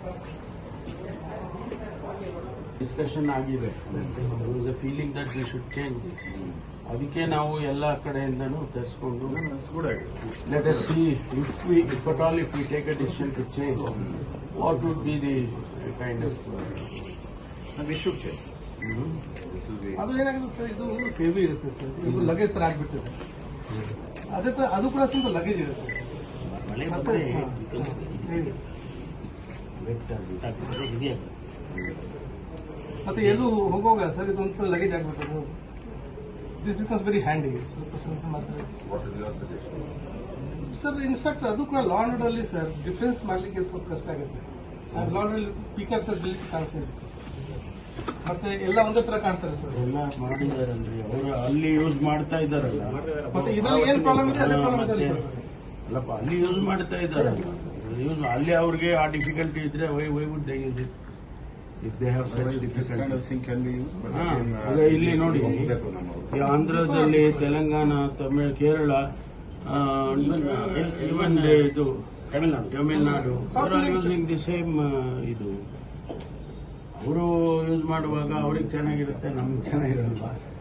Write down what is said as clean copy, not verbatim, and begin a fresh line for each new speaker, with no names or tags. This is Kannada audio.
ಡಿಸ್ಕಷನ್ ಆಗಿದೆ. Was a feeling that we should change this. ಅದಕ್ಕೆ ನಾವು ಎಲ್ಲ ಕಡೆಯಿಂದನೂ ತರಿಸ್ಕೊಂಡು let us see if at all if we take a decision to change what would be the kind of
we should change.
ಅದು ಏನಾಗುತ್ತೆ ಸರ್, ಇದು ಹೆವಿ ಇರುತ್ತೆ ಸರ್, ಇದು ಲಗೇಜ್ ತರ ಆಗ್ಬಿಡ್ತದೆ. ಅದೇ ತರ ಅದು ಕೂಡ ಸ್ವಲ್ಪ ಲಗೇಜ್ ಇರುತ್ತೆ. ಮತ್ತೆ ಎಲ್ಲೂ ಹೋಗುವಾಗ ಸರ್ ಇದೊಂದು ಲಗೇಜ್ ಆಗ್ಬಿಟ್ಟು ದಿಸ್ ಬಿಕಮ್ಸ್ ವೆರಿ ಹ್ಯಾಂಡಿ. ಸ್ವಲ್ಪ ಮಾತ್ರ ಸರ್ ಇನ್ಫ್ಯಾಕ್ಟ್ ಅದು ಕೂಡ ಲಾ ಅಂಡ್ ಆರ್ಡರ್ ಅಲ್ಲಿ ಸರ್ ಡಿಫೆನ್ಸ್ ಮಾಡ್ಲಿಕ್ಕೆ ಸ್ವಲ್ಪ ಕಷ್ಟ ಆಗುತ್ತೆ. Law and order pickup sir ಬಿಡ್ಲಿಕ್ಕೆ ಚಾನ್ಸ್ ಇರುತ್ತೆ. ಮತ್ತೆ ಎಲ್ಲ ಒಂದೇ ತರ ಕಾಣ್ತಾರೆ ಸರ್.
ಎಲ್ಲ ಮಾಡಿದಾರಲ್ರಿ ಅವರು, ಅಲ್ಲಿ ಯೂಸ್ ಮಾಡ್ತಾ ಇದ್ದಾರಲ್ಲ.
ಮತ್ತೆ ಇದ್ರಲ್ಲಿ ಏನ್ ಪ್ರಾಬ್ಲಮ್ ಇದೆ ಅದೇ ಪ್ರಾಬ್ಲಮ್ ಇದೆ.
ಅಲ್ಲಪ್ಪ, ಅಲ್ಲಿ ಯೂಸ್ ಮಾಡ್ತಾ ಇದ್ದಾರಲ್ಲ, ಯೂಸ್ ಅಲ್ಲಿ ಅವ್ರಿಗೆ ಆ ಡಿಫಿಕಲ್ಟಿ ಇದ್ರೆ why would they use it if they have such difficulty. ಇಲ್ಲಿ ನೋಡಿ, ಈ ಆಂಧ್ರದಲ್ಲಿ, ತೆಲಂಗಾಣ, ತಮಿಳ್, ಕೇರಳ, ಇವನ್ ಇದು ತಮಿಳ್ನಾಡು ಯೂಸಿಂಗ್ ದಿ ಸೇಮ್. ಇದು ಅವರು ಯೂಸ್ ಮಾಡುವಾಗ ಅವ್ರಿಗೆ ಚೆನ್ನಾಗಿರುತ್ತೆ, ನಮ್ಗೆ ಚೆನ್ನಾಗಿರಲ್ವಾ?